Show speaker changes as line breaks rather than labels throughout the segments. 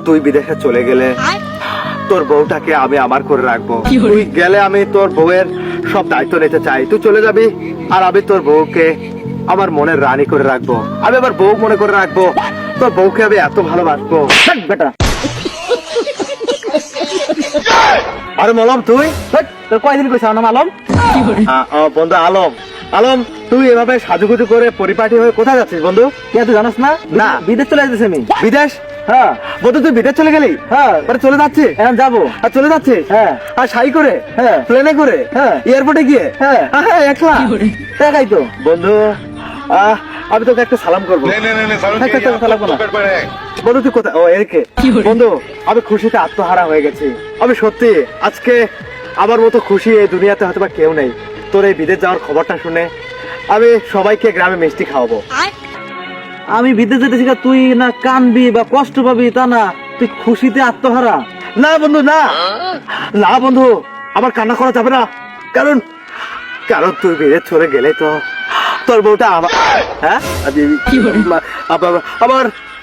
তুই বিদেশে চলে গেলে তোর বউটাকে আমি আমার করে রাখবো। তুই গেলে আমি তোর বউয়ের সব দায়িত্ব নিতে চাই। তুই চলে যাবি আর আমি তোর বউকে আমার মনের রানী করে রাখবো। আমি আবার বউ মনে করে রাখবো। তোর বউকে আমি এত ভালোবাসবো বেটা। আরে মলম তুই
তোর কয়দিন কইছ নাম আলম?
বন্ধু আলম, আলম তুই এভাবে সাজুগুজু করে পরিপাটি হয়ে কোথায় যাচ্ছিস বন্ধু?
কে তুই জানাস না?
না।
বিদেশ চলে যেতেছি আমি।
বিদেশ?
হ্যাঁ
বন্ধু তুই বিদেশ চলে গেলি?
হ্যাঁ
মানে চলে যাচ্ছিস?
এখন যাবো।
আর চলে যাচ্ছিস?
হ্যাঁ
আর শাড়ি করে?
হ্যাঁ
প্লেনে করে?
হ্যাঁ
এয়ারপোর্টে গিয়ে?
হ্যাঁ
হ্যাঁ একলা?
দেখাই তো
বন্ধু আমি তোকে একটা সালাম করবো।
চালাবো না।
বন্ধু তুই কোথায়? ও এরকে বন্ধু আমি খুশিতে আত্মহারা হয়ে গেছি। আমি সত্যি আজকে আমার মতো খুশি এই দুনিয়াতে হয়তো বা কেউ নেই। তোর এই বিদেশ যাওয়ার খবরটা শুনে আমি সবাইকে গ্রামে মিষ্টি খাওয়াবো।
আমি বিদেশ যেতেছি, তুই না কানবি বা কষ্ট পাবি তা না, তুই খুশিতে আত্মহারা।
না বন্ধু না, না বন্ধু আমার কান্না করা যাবে না। কারণ কারণ তুই বিদেশ চলে গেলে তো তোর বউটা আমার হ্যাঁ আবার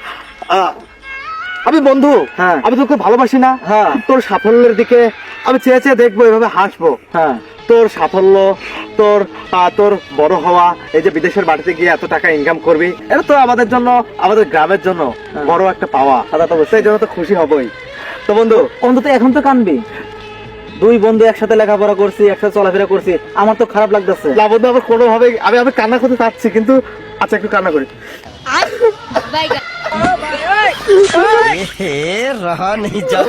আমি বন্ধু
হ্যাঁ
আমি তোকে ভালোবাসি না।
হ্যাঁ
তোর সাফল্যের দিকে আমি চেয়ে চেয়ে দেখবো, এভাবে হাসবো।
হ্যাঁ
তোর সাফল্য, তোর তোর বড় হওয়া, এই যে বিদেশের বাড়িতে গিয়ে এত টাকা ইনকাম করবি, এটা তো আমাদের জন্য, আমাদের গ্রামের জন্য বড় একটা পাওয়া।
দাদা তো
সেই জন্য তো খুশি হবই। তো বন্ধু
অন্তত এখন তো কানবি। দুই বন্ধু একসাথে লেখাপড়া করছি, একসাথে চলাফেরা করছি, আমার তো খারাপ লাগতেছে।
না বন্ধু আমার কোনোভাবে আমি কান্না করতে চাচ্ছি, কিন্তু আচ্ছা একটু কান্না করি।
रहा नहीं जाता।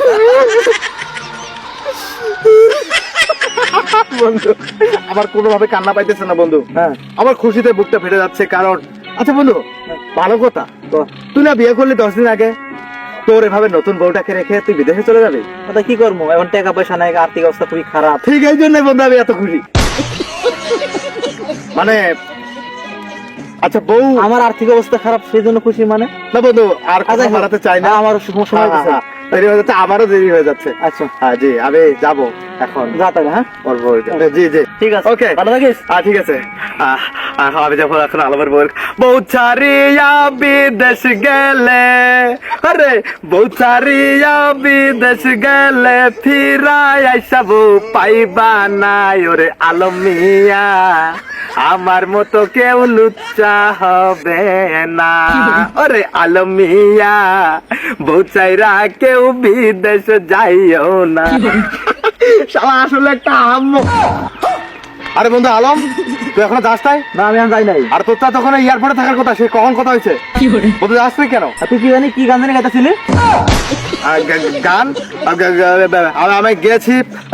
বন্ধু আমার কোনোভাবে কান্না পাইতেছে না বন্ধু।
হ্যাঁ
আমার খুশিতে বুকটা ফেটে যাচ্ছে। কারণ আচ্ছা বন্ধু ভালো কথা,
তো
তুই না বিয়ে করলি 10 দিন আগে, তোর এভাবে নতুন বউটাকে রেখে তুই বিদেশে চলে যাবি?
দাদা কি করবো, এখন টাকা পয়সা নাই, আর্থিক অবস্থা খুবই খারাপ।
ঠিক এই জন্য বন্ধু আমি এত খুশি। মানে আচ্ছা বউ
আমার আর্থিক অবস্থা খারাপ, সেই জন্য খুশি মানে?
না বন্ধু আর কথা
আচ্ছা,
বাড়াতে চাই না।
আমার সময় হয়েছে।
দেরি হয়ে যাচ্ছে, আমারও দেরি হয়ে যাচ্ছে।
আচ্ছা
হ্যাঁ জি আমি যাবো এখন।
যা তাহলে। হ্যাঁ
ওর বউটা। জি জি
ঠিক আছে,
ওকে
ভালো থাকিস।
ঠিক আছে। আমি যাবো এখন আলমের বউ ছাড়িয়া বিদেশ গেলে, আরে বউ ছাড়িয়া বিদেশ গেলে ফিরাই আইসা বউ পাইবা নাই। ওরে আলম মিয়া আমার মতো কেউ লুচ্চা হবে না। ওরে আলম মিয়া বউ চাইরা কেউ বিদেশ যাইও না। শালা আসলে একটা আম্মু। আরে বন্ধু আলম তুই এখনো যাস নাই?
না আমি এখন যাই নাই।
আর তোর তো তখন এয়ারপোর্টে থাকার কথা, সে কখন কথা হয়েছে? বন্ধু যাস নাই কেন?
আর তুই কি জানি কি গান জানি গাইতেছিলি?
গান আমি গেছি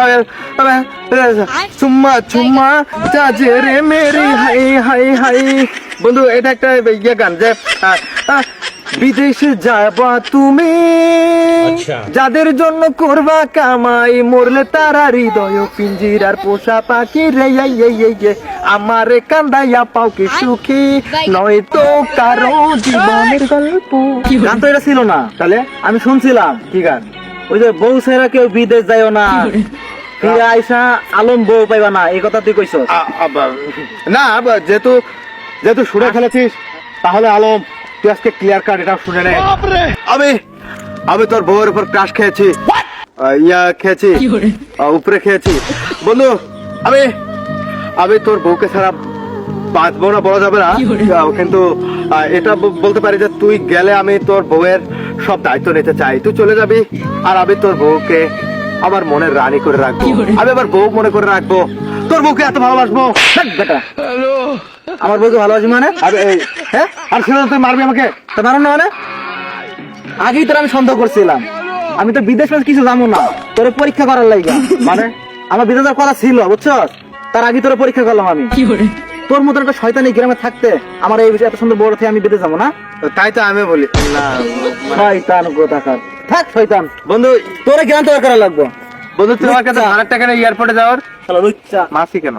চুম্মা চুম্মা চাচে রে মেরি হাই হাই হাই। বন্ধু এটা একটা ইয়ে গান যে বিদেশে যাবা তুমি যাদের জন্য করবা কামাই, মরলে তারা হৃদয় পিঞ্জিরার পোষা পাখি রে আমারে কান্দাইয়া পাও কি সুখী নয় তো কারো জীবনের গল্প।
গান তো এটা ছিল না।
তাহলে
আমি শুনছিলাম
কি গান?
ওই যে বউ ছেড়া কেউ বিদেশ যাইও না, ফিরে আইসা আলম বউ পাইবা না, এই কথা তুই কইছস?
না যেহেতু যেহেতু সুরে খেলেছিস তাহলে আলম তুই আজকে ক্লিয়ার কাট এটা শুনে নে। আমি তোর বউয়ের উপর ক্রাশ খেয়েছি, ইয়া খেয়েছি, উপরে খেয়েছি। বন্ধু আমি তোর বউকে ছাড়া বাঁচবো না বলা যাবে না, কিন্তু এটা বলতে পারি যে তুই গেলে আমি তোর বউয়ের সব দায়িত্ব নিতে চাই। তুই চলে যাবি আর আমি তোর বউকে আমার মনের রানী করে রাখবো। আমি আবার বউ মনে করে রাখবো। তোর বউকে এত ভালোবাসবো
বেটা। আমার বউকে ভালোবাসি মানে?
হ্যাঁ আর সেটা তুই মারবি আমাকে?
তা মারো না মানে? আগেই তোর আমি সন্দেহ করছিলাম। আমি তো বিদেশ কিছু জানো না, তোর পরীক্ষা করার লাগা।
মানে
আমার বিদেশ যাওয়ার কথা ছিল বুঝছস, তার আগে তোর পরীক্ষা করলাম আমি। তোর মতন একটা শয়তানি গ্রামে থাকতে আমার এই বিষয়ে এত সুন্দর বড় থেকে আমি বিদেশ যাবো না?
তাই তো আমি বলি না
শয়তান কোথাকার। থাক শয়তান।
বন্ধু
তোর জ্ঞান তৈরি করা লাগবো।
বন্ধু তুই আমাকে 1000 টাকা এয়ারপোর্টে যাওয়ার
লুচ্চা
মাসি কেন?